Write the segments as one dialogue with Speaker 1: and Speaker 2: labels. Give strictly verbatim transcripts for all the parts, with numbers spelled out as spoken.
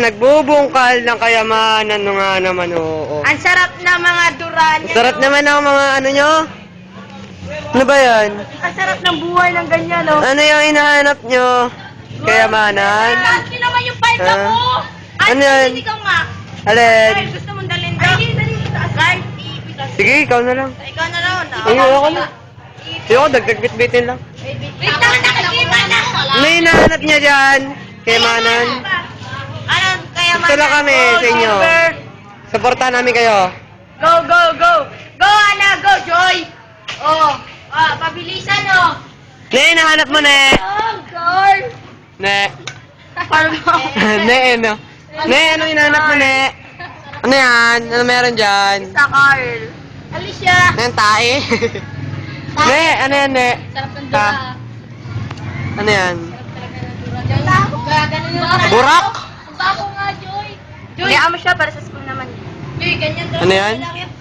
Speaker 1: nagbubungkal ng kayamanan no nga naman, oo.
Speaker 2: Ang sarap na mga duran.
Speaker 1: Ang sarap naman ng mga ano nyo. Ano ba yan?
Speaker 2: Ang sarap ng buhay ng ganyan, no?
Speaker 1: Ano yung hinahanap nyo? Kayamanan?
Speaker 2: Auntie naman yung palda
Speaker 1: Ah.
Speaker 2: mo!
Speaker 1: Ano
Speaker 2: Auntie,
Speaker 1: yan?
Speaker 2: hindi ikaw nga.
Speaker 1: Alin?
Speaker 2: Ay, gusto mong dalhin daw? Ay, dali sa taas. Guard, iipitas.
Speaker 1: Sige, ikaw na lang.
Speaker 2: Ikaw na raw, na.
Speaker 1: Ay, ako na. Ayoko, dagdag bitbitin lang.
Speaker 2: Wait lang, nakikita na!
Speaker 1: Ano yung hinahanap nyo dyan? Kayamanan?
Speaker 2: Ano, kaya
Speaker 1: Gusto lang kami sa inyo. Supportahan namin kayo.
Speaker 2: Go, go, go! Go, Ana! Go, Joy! Oh, ah, pabilisan, oh!
Speaker 1: Ne, hinahanap mo, Ne.
Speaker 2: Oh, girl!
Speaker 1: Ne.
Speaker 2: Parang
Speaker 1: Ne, ano? Ne, ano hinahanap mo, Ne? Ano yan? Ano meron dyan?
Speaker 2: Sa Carl. Alicia!
Speaker 1: Ano yan, tae? Ne, ano yan, Ne?
Speaker 2: Sarap ng
Speaker 1: Ta. Ano yan?
Speaker 2: Gaganon yung
Speaker 1: Burak?
Speaker 2: Ang bako nga, Joy. Joy, kaya mo siya para sa school naman. Joy, ganyan daw.
Speaker 1: Ano yan?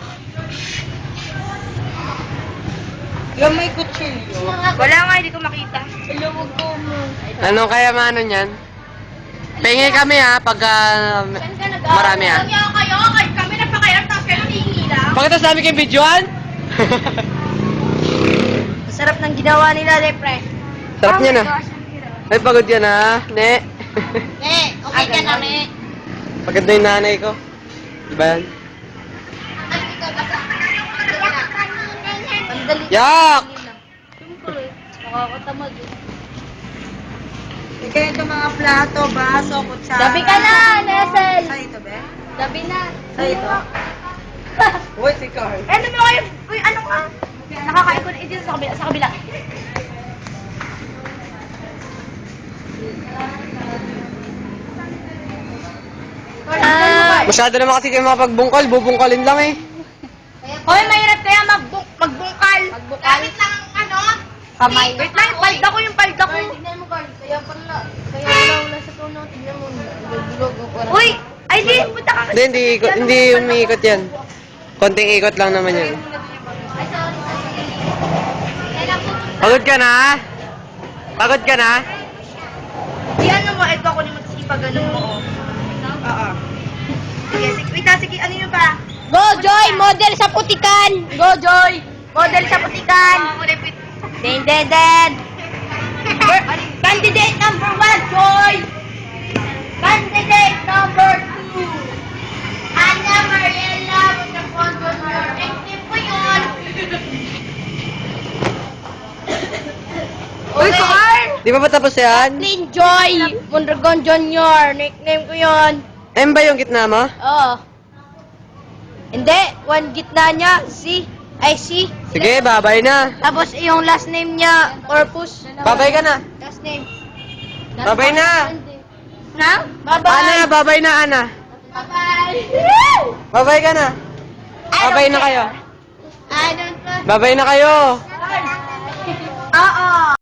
Speaker 2: Yung may kutsilyo. Wala nga, hindi ko makita. Ilawag ko mo.
Speaker 1: Anong kayamanan yan? Pengi kami ha, pagka marami ha.
Speaker 2: Kaya kayo, kayo kami nagpakayat tapos kayo nangihingi lang.
Speaker 1: Pagkatapos namin kayong videoan?
Speaker 2: Masarap ng ginawa nila, Lepre.
Speaker 1: Sarap niya na. Ay, pagod yan ha. Ne.
Speaker 2: Ne, okay ka na, Ne.
Speaker 1: Pagod na yung nanay ko. Diba yan?
Speaker 2: Pandali.
Speaker 1: Yak!
Speaker 2: Siyempre, nakakatamad eh.
Speaker 3: Ika ito mga plato, baso, kutsara.
Speaker 2: Dabi ka na, Nesel.
Speaker 3: Sa ito, be?
Speaker 2: Dabi na.
Speaker 3: Sa ito? Uy, si Carl.
Speaker 2: Eh, ano ba kayo? Uy, ano ka? Nakakaikot eh, dito sa kabila. Sa kabila. Ah.
Speaker 1: Masyado naman kasi kayo makapagbungkal. Bubungkalin lang eh.
Speaker 2: Hoy, mahirap kaya magbung magbungkal. Magbungkal? Gamit lang ang ano?
Speaker 3: Kamay.
Speaker 2: Wait lang, palda ko yung palda ko.
Speaker 4: Tignan mo, Carl. Kaya pala, kaya wala wala sa tono. Tignan mo, nagulog ang oras.
Speaker 2: Uy, ay di, punta ka.
Speaker 1: Hindi, hindi, ikot, hindi umiikot yan. Konting ikot lang naman yan.
Speaker 4: Ay, sorry, sorry. Kailan po?
Speaker 1: Pagod ka na? Pagod ka na?
Speaker 2: Di ano mo, ito ako naman kasi ipagano mo. Oo. Sige, sige, wait lang, sige, ano yun pa?
Speaker 4: Go, Joy! Model sa putikan!
Speaker 2: Go, Joy! Model sa putikan! Den, den, den! Candidate number one, Joy! Candidate number two! Ana Mariela Mondragon Junior Nickname ko yun! Uy, Carl!
Speaker 1: Di ba ba tapos yan?
Speaker 4: Lin Joy! Mondragon Junior Nickname ko yun.
Speaker 1: M ba yung gitna mo?
Speaker 4: Oo. Hindi, one gitna niya, C. Ay, C.
Speaker 1: Sige, babay na.
Speaker 4: Tapos yung last name niya, Corpus.
Speaker 1: Babay ka na.
Speaker 4: Last name.
Speaker 1: Babay na.
Speaker 4: Na? Bye-bye.
Speaker 1: Ana, babay na, Ana.
Speaker 4: Bye-bye.
Speaker 1: Babay ka na. Babay na kayo.
Speaker 4: I don't know.
Speaker 1: Babay na kayo.
Speaker 2: Oo!